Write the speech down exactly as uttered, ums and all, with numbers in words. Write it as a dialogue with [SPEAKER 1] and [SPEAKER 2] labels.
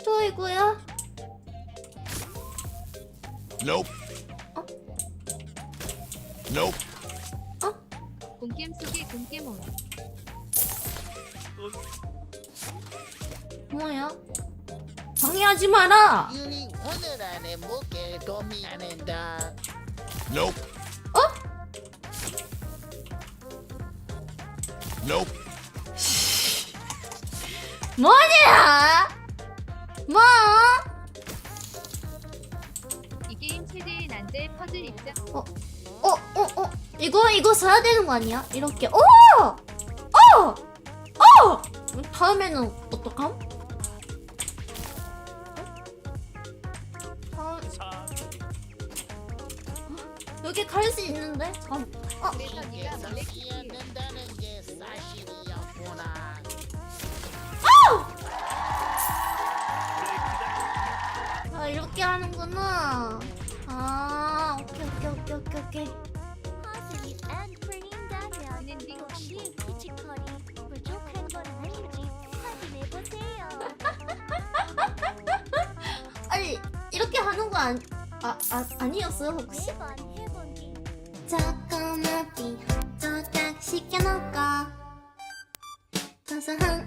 [SPEAKER 1] 저 이거야?
[SPEAKER 2] Nope.
[SPEAKER 1] 어?
[SPEAKER 2] Nope.
[SPEAKER 3] 공겜 속의 공겜온.
[SPEAKER 1] 뭐야? 방해하지 마라!
[SPEAKER 4] 유니 오늘 안에 먹게 도미 안 한다.
[SPEAKER 2] Nope.
[SPEAKER 1] 어?
[SPEAKER 2] Nope.
[SPEAKER 1] 뭐냐? 뭐?
[SPEAKER 3] 이 게임 최대의 난제 퍼즐 입장.
[SPEAKER 1] 어, 어, 어, 어. 이거, 이거 써야 되는 거 아니야? 이렇게. 오! 어! 어! 다음에는 어떡함? 다음... 여기 갈 수 있는데? 잠... 어?
[SPEAKER 3] 그래서 네가
[SPEAKER 4] 이게
[SPEAKER 3] 몰래
[SPEAKER 4] 사실이
[SPEAKER 3] 키키.
[SPEAKER 4] 않는다는 게 사실이었구나.
[SPEAKER 1] 아, 이렇게 하는구나. 아, 오케이, 오케이, 오케이, 오케이, 오케이.
[SPEAKER 5] 화질이 안 풀린다면
[SPEAKER 3] 은행딩
[SPEAKER 5] 혹시 피지컬이 부족한 건 아닌지 확인해보세요.
[SPEAKER 1] 아니, 이렇게 하는 거 아니, 아, 아, 아니었어요, 혹시?
[SPEAKER 5] 매번 해본 뒤
[SPEAKER 1] 조그맣게 조각 시켜놓고 고소한